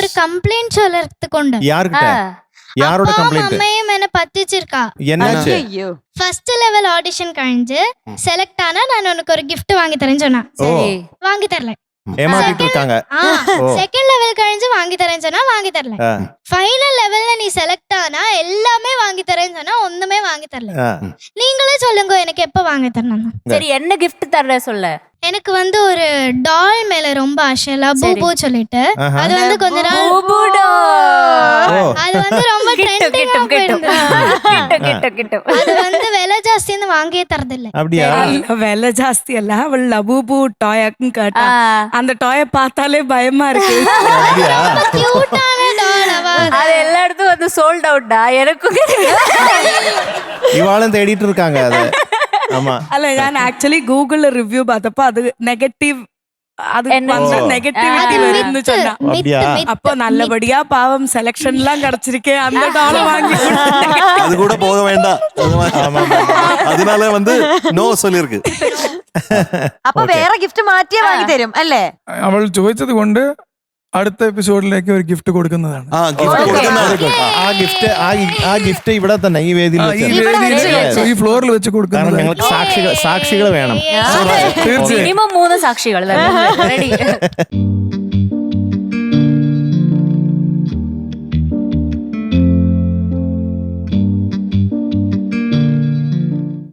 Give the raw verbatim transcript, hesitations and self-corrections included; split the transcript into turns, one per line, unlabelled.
Complaint சொல்றதுக்கு உண்டு.
யார்கிட்ட? யாரோட கம்ப்ளைண்ட்?
அம்மையும் என்ன பத்திச்சிருக்கா.
என்னாச்சு?
ஃபர்ஸ்ட் லெவல் ஆடிஷன் கழிஞ்சு செலக்ட் ஆனா நான் உனக்கு ஒரு gift வாங்கி தரேன்னு சொன்னா. வாங்கி தரல.
ஏமாத்திட்டு இருக்காங்க.
செகண்ட் லெவல் கழிஞ்சு வாங்கி தரேன்னு சொன்னா வாங்கி தரல. ஃபைனல் லெவல்ல நீ செலக்ட் ஆனா எல்லாமே வாங்கி தரேன்னு சொன்னா ஒண்ணுமே வாங்கி தரல. நீங்களே சொல்லுங்க எனக்கு எப்ப வாங்கி தரணும்.
சரி என்ன gift தர்ற சொல்ல.
எனக்கு வந்து ஒரு டால் மேல ரொம்ப ஆசை, லபூபு சொல்லிட்டு. அது வந்து கொஞ்ச நாள் அது வந்து ரொம்ப ட்ரெண்டிங்கா போயிடுது. அது வந்து விலை ஜாஸ்தின்னு வாங்கியே தரது இல்ல.
அப்படியா?
விலை ஜாஸ்தி அல்ல, அவள் லபூபு டாய்க்கு கேட்டா அந்த டாய பார்த்தாலே பயமா இருக்கு.
கியூட்டான டால் அவ.
அது எல்லா இடத்தும் வந்து சோல்ட் அவுட்டா. எனக்கும்
இவாளும் தேடிட்டு இருக்காங்க அது. ஆமா.
அல்ல நான் ஆக்சுவலி கூகுள்ல ரிவ்யூ பார்த்தப்ப அது நெகட்டிவ், அது நெகட்டிவிட்டி வரும்னு சொன்னா. அப்போ நல்லபடியா பாவம் செலக்ஷன் எல்லாம் கிடைச்சிருக்கேன், அந்த டால வாங்கி
அது கூட போக வேண்டாம். அதனால வந்து நோ சொல்லிருக்கு.
അപ്പൊ വേറെ ഗിഫ്റ്റ് മാറ്റിയേ വാങ്ങി തരും അല്ലേ?
അവൾ ചോദിച്ചത് കൊണ്ട് അടുത്ത എപ്പിസോഡിലേക്ക് ഒരു ഗിഫ്റ്റ് കൊടുക്കുന്നതാണ്.
ആ ഗിഫ്റ്റ് കൊടുക്കുന്നതാണ്.
ആ ഗിഫ്റ്റ് ആ ഗിഫ്റ്റ് ഇവിടെ തന്നെ ഈ വേദിയിൽ വെച്ച്,
ഈ ഫ്ലോറിൽ വെച്ച് കൊടുക്കുന്നത്.
ഞങ്ങൾക്ക് സാക്ഷികൾ സാക്ഷികൾ വേണം.
മിനിമം മൂന്ന് സാക്ഷികൾ.